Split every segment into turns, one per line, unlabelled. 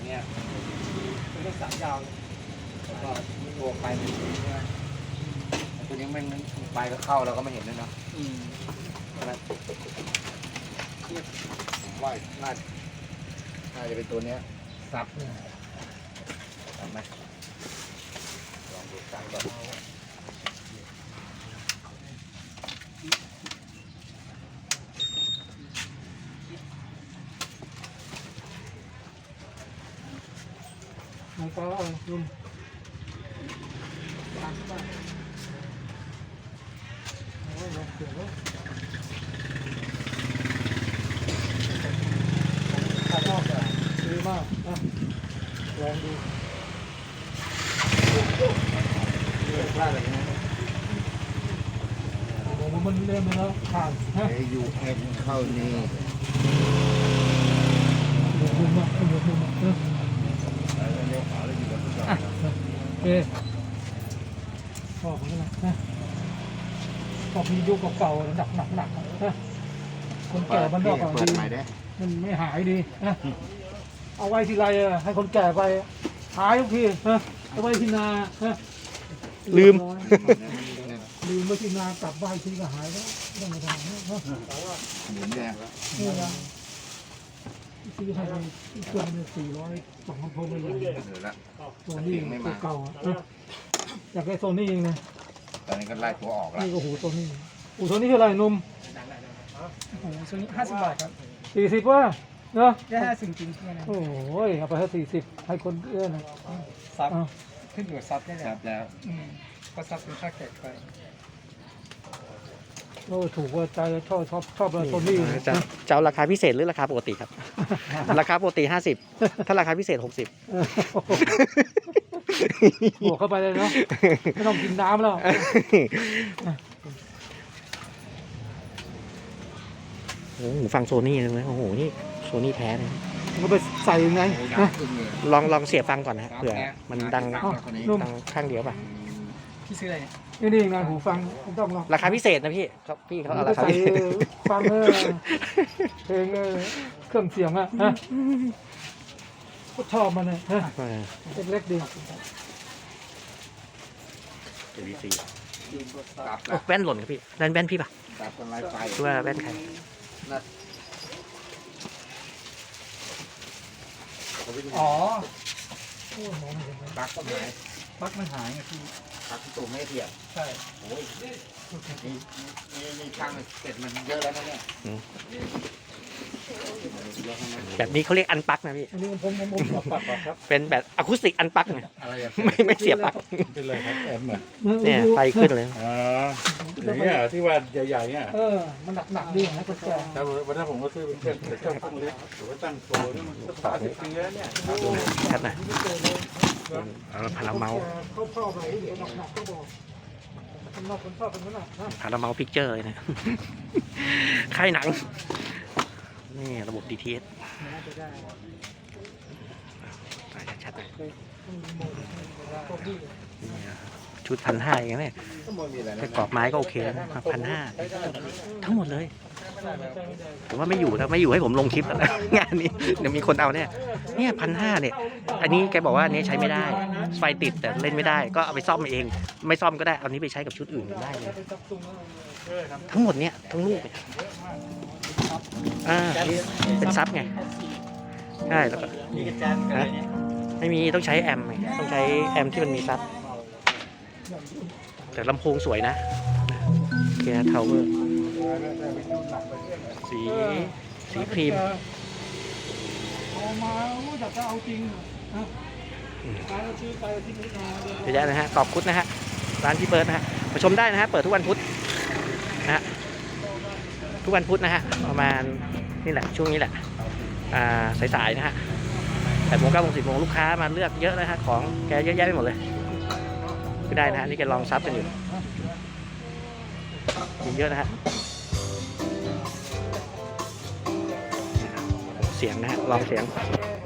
เนี้ยเป็นเรื่องสายยาวแล้วก็ตัวไปมันใช่ไหมตัวนี้มันไปก็เข้าเราก็ไม่เห็นด้วยเนาะนะผมว่าน่าจะเป็นตัวเนี้ยซับทำไหมลองดูกันก่อน
มันก็ลุมตามเข้าไปโอ้ยลองเสือเลยขาชอบเลยดีมากนะลองดู
พลาดอะไรนะ
โอ้มันเล่นไปแล้วผ่านฮะ
ยูเอ็นเข้านี่
หมุนมุมอ่ะหมุนมุมอ่ะโอเคชอบมันนะชอบมียุคเก่าๆหนักนะคนแก่บ้านนอกก็ดีมันไม่หายดีนะเอาไว้ทีไรให้คนแก่ไปหายทุกทีนะเอาไว้ที่นาลืมไว้ที่นากลับบ้านทีก็หายแล้วต้องมาทำนะ
หมุนแดงแล้ว
นี่นะซื้อให้ไปเครื่องนึง400 2,000โพไม่ใหญ่โซนี่ตัวเก่าอยากได้โซนี่เองนะ
ตอนนี้ก็ไล่ตัวออกแล้ว
นี่ก็หูโซนี่หูโซนี่เท่าไหร่นุ่ม
โอ้โหซื้อ50 บาทครับ
40ว่าเนาะ
ได้50จริงๆนะ
โอ้ยเอาไปให้40ให้คนเอื้อนะ
ซับขึ้นอยู่ซับได้
ครับแล้ว
ก็ซับเป็นค่าแขกไป
โอ้ถูกว่าใจชอบโซนี่
จะเอาราคาพิเศษหรือราคาปกติครับ ราคาปกติ50ถ้าราคาพิเศษ60
บวกเข้าไปเลยเนาะไม่ต้องกินน้ำแล้ว
โอ้โหฟังโซนี่เลยโอ้โหนี่โซนี่แท้เลย
มันไปใส่ยังไง
ลองเสียบฟังก่อนนะเผื่อมันดังข้างเดียวป่ะ
พี่ซื้ออะไรเนี่ย
นี่งานหูฟังต้องลอง
ราคาพิเศษนะพี่เขาเอาราคาพิเศษ
ฟังเพลงเครื่องเสียงอ่ะก็ชอบมันเลยเล็กๆดี
แว่นหล่นครับพี่แว่นพี่ป่ะหรือว่าแว่นใคร
อ๋อ
ปักต้นไม้
ปักมันหายไงพี่
ปักตัวไม่เทียบ
ใช่
โอ้ยนี่ช่างเสร็จมันเยอะแล้วนะเนี่ย
แบบนี้เขาเรียกอันปักนะพี่
อันนี้ผมปักครับ
เป็นแบบอะคูสติกอันปักไงไม่เสียบปลั๊ก
เป็นเลยครับแอม
เนี่ยไฟขึ้นเลย
อย่างเงี้ยที่ว่าใหญ่ๆเนี่ย
มันหนักดีนะคนแก่
แต่วันนั้นผมก็ซื้อเป็นเครื่องตั้งเล็กหรือว่าตั้งโชว์นี่มัน30 ปีแล้วเนี่ย
ชัดนะพาราเมา
เข้าไปหนักก็บอกคนชอบเป็นนั้นนะ
พาราเมาพิกเจอร์เลยนะค่ายหนังนี่ระบบ DTS ชัดๆเลยชุด1,500อย่างนี้แค่กรอบไม้ก็โอเคแล้วนะ1,500ทั้งหมดเลยผมว่าไม่อยู่ให้ผมลงคลิปแล้วงานนี้เดี๋ยวมีคนเอาเนี่ย1,500เนี่ยอันนี้แกบอกว่านี้ใช้ไม่ได้ไฟติดแต่เล่นไม่ได้ก็เอาไปซ่อมเองไม่ซ่อมก็ได้เอานี้ไปใช้กับชุดอื่นได้เลยทั้งหมดเนี่ยทั้งลูกเนี่ยเป็นซับไงใช่แล้วก็ไม่มีต้องใช้แอมต้องใช้แอมที่มันมีซับแต่ลำโพงสวยนะเกียร์ทาวเวอร์สีครีม
เอามาอยากจะเอาจริง
เดี๋ยวนะฮะตอบคุดนะฮะร้านพี่เบิร์ดนะฮะมาชมได้นะฮะเปิดทุกวันพุธนะฮะทุกวันพุธนะฮะประมาณนี่แหละช่วงนี้แหละสายๆนะฮะ8 โมง 9 โมง 10 โมงลูกค้ามาเลือกเยอะนะฮะของแกเยอะแยะไปหมดเลยก็ได้นะฮะนี่แกลองซับกันอยู่มีเยอะนะฮะเสียงนะฮะลองเสียง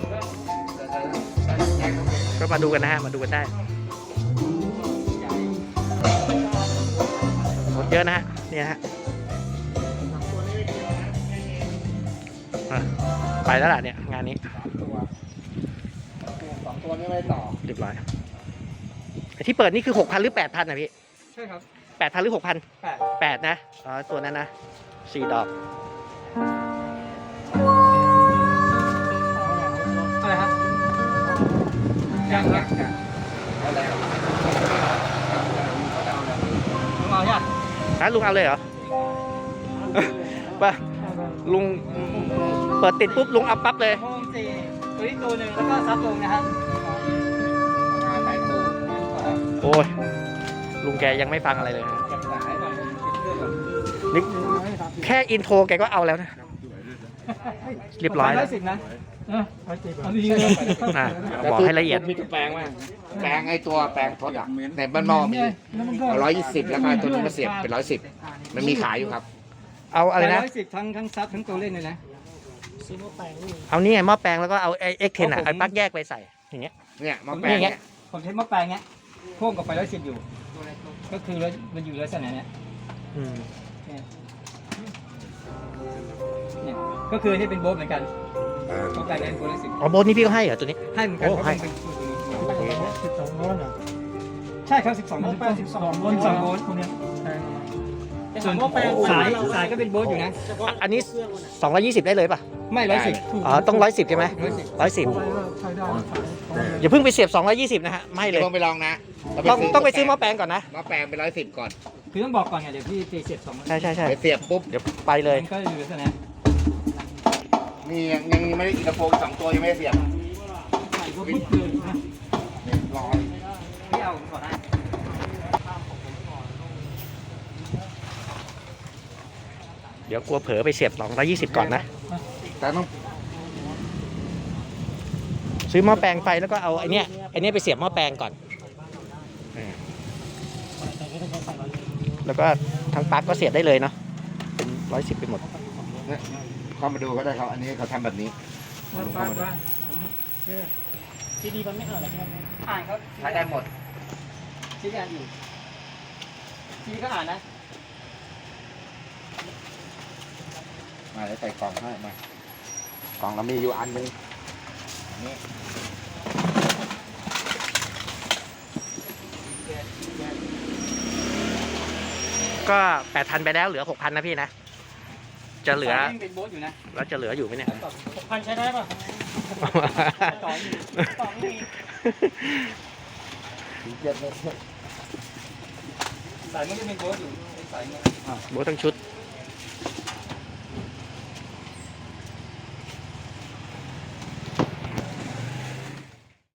ก็มาดูกันนะฮะมาดูกันได้หมดเยอะนะฮะเนี่ยฮะไปแล้วล่ะเนี่ยงานนี้
ตัวนี้ไม่ต่อ
เรียบร้อยไอ้ที่เปิดนี่คือ 6,000 หรือ 8,000นะพี่
ใช่ครับ
8,000 หรือ 6,000
8
8นะอ๋อตัวนั้นนะ4 ดอก
อะไรฮะ
ยังเอาแล้ว
ลุงเอาเนี่ย
ฮะลุงเอาเลยเหรอ ป่ะลุงเปิดติดปุ๊บลุงเอาปั๊บเลย
โฮม4ตัวนี้ตัวหนึ่งแล้วก็ซับลงนะฮะ
งานสายตู้
โอ้ยลุงแกยังไม่ฟังอะไรเลยนะ
จับสายก่อนปิดเครื่องก่อน
นี่แค่อินโทรแกก็เอาแล้วนะ เรียบร้อย
แล้
แล้ว ว
10นะ
อันนี้เลย
อ่ะบอกให้ละเอียด
มีทุกแปลงว่าแปลงไอ้ตัวแปลงทดอ่ะในบ้านหม้อมี120แล้วก็ตัวนี้มาเสียบเป็น110มันมีขายอยู่ครับ
เอาอะไรนะ
110ทั้งซับทั้งตัวเล่นเลยนะ
เอานี่ไงหม้อแปลงแล้วก็เอาไอ้เอ็กเทนอ่ะไอ้ปลั๊กแยกไปใส่อย่างเงี้ย
เนี่ยมาแปลง
นี่ไง
เนี่ย
ผมใช้หม้อแปลงเนี้ยพ่วงกับไฟ110อยู่ ก็คือมันอยู่ลักษณะเนี้ย
อืม
เนี่ยก็คือนี่เป็นโบ๊ทเหมือนกันหม้อแปลงเป็นโบ๊ท110
อ๋อโบนนี่พี่ก็ให้เหรอตัวนี้
ให้เหมือนกัน
โอ้
เพราะ
ให้
มันเป็นตัวนี้
12 ร้อนอ่ะ
ใช่ครับ12โวลต์
12 ร้อน
12โวลต์พวกเนี้ยส่วนสายก็เป็นโบ๊ทอยู่นะ
อันนี้220ได้เลยป่ะ
ไม่110
อ๋อต้อง110ใช่ไหม
ไว้
110
ว่าใช้ได้
อย่าเพิ่งไปเสียบ220นะฮะไม่เลย
ต้องไปลองนะ
ต้องไปซื้อหม้อแปลงก่อนนะ
มาแปลงเป็น110ก่อน
คือต้องบอกก่อนไงเดี๋ยวพี่ตีเสียบ2
ใช่ใช่ใช่
ไปเสียบปุ๊บ
เดี๋ยวไปเลย
มันก็อยู่ลักษณะ
นี่ยังไม่ได้อีกกระโปรง2ตัวยังไม่ได้เสียบ
ใส่ก็พึ่งเลยนะ
รอ
พี่เอาก่อนนะ
เดี๋ยวกลัวเผลอไปเสียบ220ก่อนนะ
แต่ต้อง
ซื้อหม้อแปลงไปแล้วก็เอาไอ้เนี้ยไปเสียบหม้อแปลงก่อนแล้วก็ทั้งปลั๊กก็เสียบได้เลยเนาะเป็น110ไปหมด
เข้ามาดูก็ได้ครับ อันนี้เขาทำแบบนี้
ที่ดีมันไม่อ่านอะไรใช่ไหม
อ่านครับ
ใช้ได้หมด
ชี้อ่านอยู่ชี้ก็อ่านนะ
มาแล้วใส่กล่องให้มากล่องเรามีอยู่อันนึงนี่
ก็ 8,000 ไปแล้วเหลือ 6,000 นะพี่นะ จะเหลือ
สายยังเป็นโบ๊ทอยู่นะ
แล้วจะเหลืออยู่ไหมเนี่ย
6,000 ใช้ได้ป่ะ ต่ออยู่ต่อไม่มี
ถึง7 เมตร
สายมันก็เป็นโบ๊ทอยู่เป็นสายเงิน
โบททั้งชุด
ใ